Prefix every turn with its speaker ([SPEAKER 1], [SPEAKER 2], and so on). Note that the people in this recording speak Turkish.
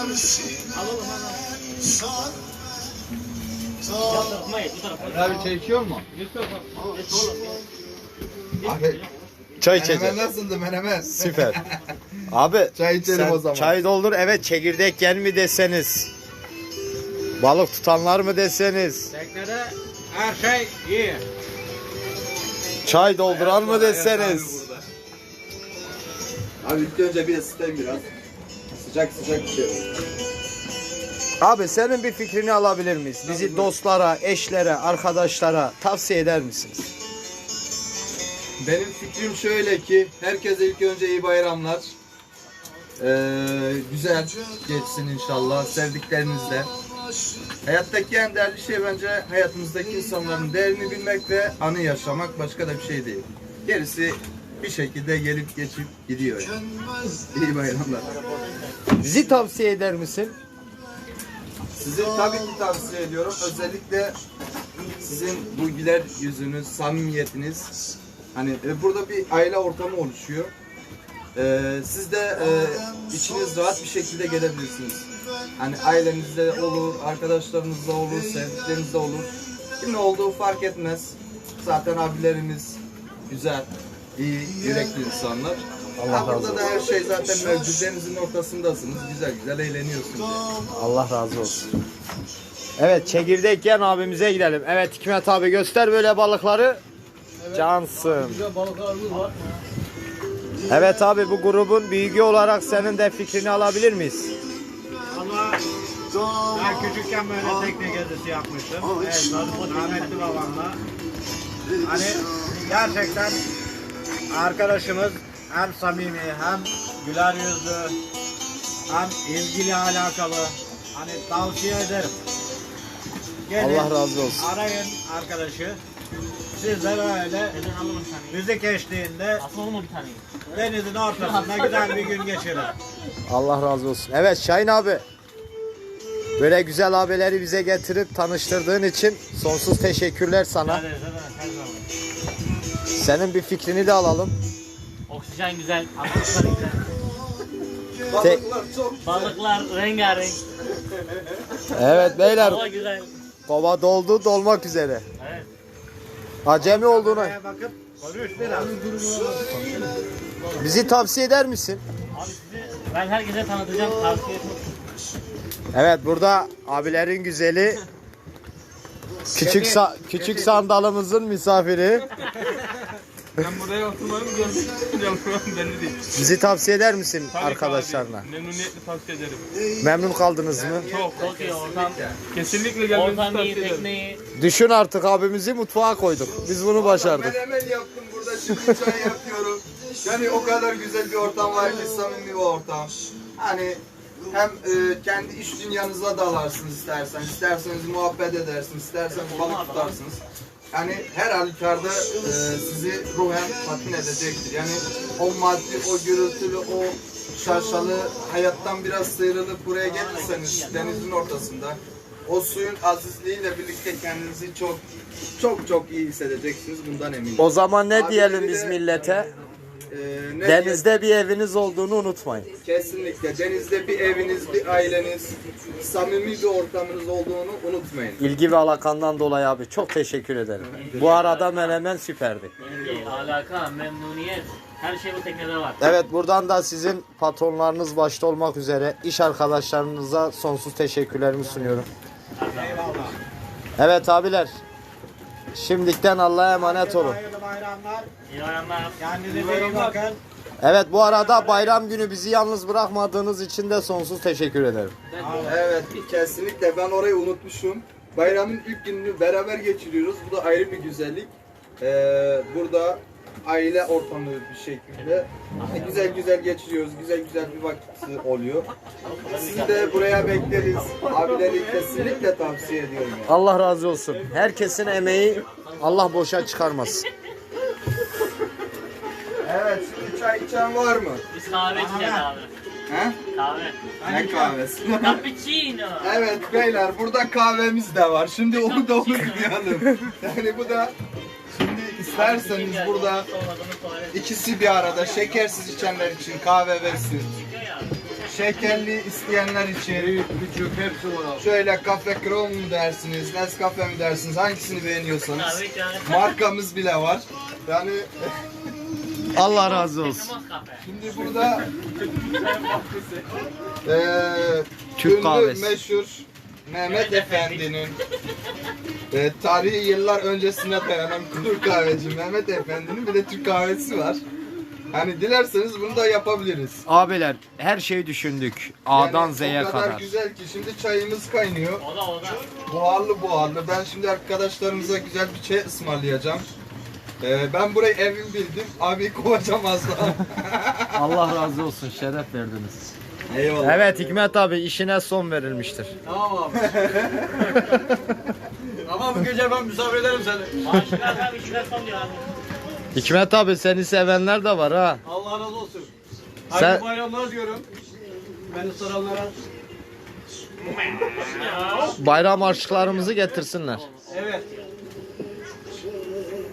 [SPEAKER 1] Abi çay içiyor mu?
[SPEAKER 2] Abi
[SPEAKER 3] Çay içeceğiz.
[SPEAKER 2] menemen nasıldı menemen?
[SPEAKER 3] Süper. Abi
[SPEAKER 2] Çay içelim
[SPEAKER 3] sen
[SPEAKER 2] o zaman.
[SPEAKER 3] çay doldur, evet, çekirdek yer mi deseniz, balık tutanlar mı deseniz,
[SPEAKER 1] Teknede her şey iyi.
[SPEAKER 3] çay dolduran mı deseniz.
[SPEAKER 2] Abi ilk önce bir ısıtayım biraz. Sıcak sıcak bir şey.
[SPEAKER 3] Abi senin bir fikrini alabilir miyiz? Bizi dostlara, eşlere, arkadaşlara tavsiye eder misiniz?
[SPEAKER 2] Benim fikrim şöyle ki herkese ilk önce iyi bayramlar. Güzel geçsin inşallah sevdiklerinizle. Hayattaki en değerli şey bence hayatımızdaki insanların değerini bilmek ve anı yaşamak, başka da bir şey değil. Gerisi bir şekilde gelip geçip gidiyor yani. İyi bayramlar.
[SPEAKER 3] Bizi tavsiye eder misin?
[SPEAKER 2] Sizi tabii ki tavsiye ediyorum. Özellikle sizin bu güler yüzünüz, samimiyetiniz. Hani burada bir aile ortamı oluşuyor. Siz de içiniz rahat bir şekilde gelebilirsiniz. Hani ailenizde olur, arkadaşlarınızla olur, sevdiklerinizle olur. Kim ne olduğu fark etmez. Zaten abilerimiz güzel, iyi, yürekli insanlar.
[SPEAKER 3] Allah razı
[SPEAKER 2] Burada da her şey zaten mevcut. Denizin ortasındasınız. Güzel güzel eğleniyorsunuz.
[SPEAKER 3] Allah razı olsun. Evet, çekirdek yiyen abimize gidelim. Evet Hikmet abi, göster böyle balıkları. Cansın.
[SPEAKER 1] Güzel balıklarımız var.
[SPEAKER 3] Evet abi, bu grubun büyüğü olarak senin de fikrini alabilir miyiz?
[SPEAKER 1] Ama ben küçükken böyle tekne gezisi yapmıştım. Evet, rahmetli babamla. Hani gerçekten arkadaşımız hem samimi hem güler yüzlü hem ilgili alakalı. Hani tavsiye ederim. Gelin,
[SPEAKER 3] Allah razı olsun.
[SPEAKER 1] arayın arkadaşı. Siz de böyle müzik eşliğinde denizin ortasında güzel bir gün geçirin.
[SPEAKER 3] Allah razı olsun. Evet Şahin abi, böyle güzel abileri bize getirip tanıştırdığın için sonsuz teşekkürler sana. Senin bir fikrini de alalım.
[SPEAKER 4] Oksijen güzel, atmosfer güzel.
[SPEAKER 2] Balıklar çok
[SPEAKER 4] Balıklar rengarenk.
[SPEAKER 3] Evet beyler,
[SPEAKER 4] Hava güzel.
[SPEAKER 3] kova doldu, dolmak üzere.
[SPEAKER 4] Evet.
[SPEAKER 3] Acemi olduğunu
[SPEAKER 1] Buraya bakıp konuş biraz.
[SPEAKER 3] bizi tavsiye eder misin?
[SPEAKER 4] Abi sizi ben herkese tanıtacağım, tavsiye ederim.
[SPEAKER 3] Evet, burada abilerin güzeli, küçük sandalımızın misafiri.
[SPEAKER 5] Ben buraya oturmayı mı gördüm? Belli değil.
[SPEAKER 3] Bizi tavsiye eder misin
[SPEAKER 5] Tabii ki
[SPEAKER 3] arkadaşlarına?
[SPEAKER 5] abi, memnuniyetle tavsiye ederim.
[SPEAKER 3] Memnun kaldınız mı?
[SPEAKER 4] Çok iyi ortam.
[SPEAKER 5] Kesinlikle gelmenizi
[SPEAKER 4] Ortam iyi,
[SPEAKER 5] tavsiye ederim.
[SPEAKER 4] tekneyi.
[SPEAKER 3] Düşün artık, abimizi mutfağa koyduk. Biz bunu başardık.
[SPEAKER 2] Menemen yaptım burada, şimdi çay yapıyorum. Yani o kadar güzel bir ortam var ki, samimi bir ortam. Hani hem kendi iş dünyanıza dalarsınız isterseniz muhabbet edersiniz, isterseniz balık tutarsınız. Yani her halükarda sizi ruhen tatmin edecektir. Yani o maddi, o gürültülü, o şaşalı hayattan biraz sıyrılıp buraya gelirseniz denizin ortasında o suyun azizliğiyle birlikte kendinizi çok iyi hissedeceksiniz, bundan eminim.
[SPEAKER 3] O zaman ne
[SPEAKER 2] Abi
[SPEAKER 3] diyelim
[SPEAKER 2] bir
[SPEAKER 3] biz
[SPEAKER 2] de,
[SPEAKER 3] millete?
[SPEAKER 2] ne
[SPEAKER 3] Denizde bir eviniz olduğunu unutmayın.
[SPEAKER 2] Kesinlikle. Denizde bir eviniz, bir aileniz, samimi bir ortamınız olduğunu unutmayın.
[SPEAKER 3] İlgi ve alakandan dolayı abi çok teşekkür ederim. Bu arada menemen süperdi.
[SPEAKER 4] İlgi, alaka, memnuniyet. Her şey bu teknede var.
[SPEAKER 3] Evet, buradan da sizin patronlarınız başta olmak üzere iş arkadaşlarınıza sonsuz teşekkürlerimi sunuyorum.
[SPEAKER 1] Eyvallah.
[SPEAKER 3] Evet abiler, şimdiden Allah'a emanet olun.
[SPEAKER 1] Hayırlı bayramlar.
[SPEAKER 4] İyi bayramlar.
[SPEAKER 1] Kendinize iyi bakın.
[SPEAKER 3] Evet, bu arada bayram günü bizi yalnız bırakmadığınız için de sonsuz teşekkür ederim.
[SPEAKER 2] Evet, kesinlikle. Ben orayı unutmuşum. Bayramın ilk gününü beraber geçiriyoruz. Bu da ayrı bir güzellik. Burada aile ortamı bir şekilde güzel geçiriyoruz. Güzel bir vakit oluyor. Sizi de buraya bekleriz. Abileri kesinlikle tavsiye ediyorum. Yani.
[SPEAKER 3] Allah razı olsun. Herkesin emeği Allah boşa çıkarmasın.
[SPEAKER 2] Evet, şimdi çay içen var mı?
[SPEAKER 4] Biz kahve içeceğiz abi.
[SPEAKER 2] He?
[SPEAKER 4] Kahve.
[SPEAKER 2] Ne kahvesi?
[SPEAKER 4] Cappuccino.
[SPEAKER 2] Evet beyler, burada kahvemiz de var. Şimdi onu da unutmayalım. Yani bu da şimdi isterseniz burada ikisi bir arada şekersiz içenler için kahve ve süt. şekerli isteyenler için
[SPEAKER 1] Büyük, küçük hepsi var abi.
[SPEAKER 2] şöyle Cafe Chrome mu dersiniz, Nescafe mi dersiniz, hangisini beğeniyorsanız.
[SPEAKER 4] Kahve içer.
[SPEAKER 2] Markamız bile var. Yani
[SPEAKER 3] Allah razı olsun.
[SPEAKER 4] Namaz kahve.
[SPEAKER 2] şimdi burada
[SPEAKER 3] Türk
[SPEAKER 2] ünlü
[SPEAKER 3] kahvesi.
[SPEAKER 2] meşhur Mehmet Efendi'nin tarihi yıllar öncesine dayanan Türk kahveci Mehmet Efendi'nin bir de Türk kahvesi var. Hani dilerseniz bunu da yapabiliriz.
[SPEAKER 3] Abiler her şeyi düşündük. A'dan
[SPEAKER 2] Yani
[SPEAKER 3] Z'ye
[SPEAKER 2] o kadar
[SPEAKER 3] kadar.
[SPEAKER 2] güzel ki şimdi çayımız kaynıyor.
[SPEAKER 4] O da.
[SPEAKER 2] Buharlı. Ben şimdi arkadaşlarımıza güzel bir çay ısmarlayacağım. Ben burayı evim bildim. Abi kovacağım az daha.
[SPEAKER 3] Allah razı olsun. Şeref verdiniz.
[SPEAKER 2] Eyvallah.
[SPEAKER 3] Evet Hikmet abi işine son verilmiştir.
[SPEAKER 1] Tamam abi. Ama bu gece ben misafir ederim seni.
[SPEAKER 4] Maaşlar abi işler son diyor abi.
[SPEAKER 3] Hikmet abi seni sevenler de var ha.
[SPEAKER 1] Allah razı olsun.
[SPEAKER 3] Sen-
[SPEAKER 1] Hayırlı bayramlar diyorum. Beni soranlara.
[SPEAKER 3] Bayram aşklarımızı getirsinler.
[SPEAKER 1] Evet.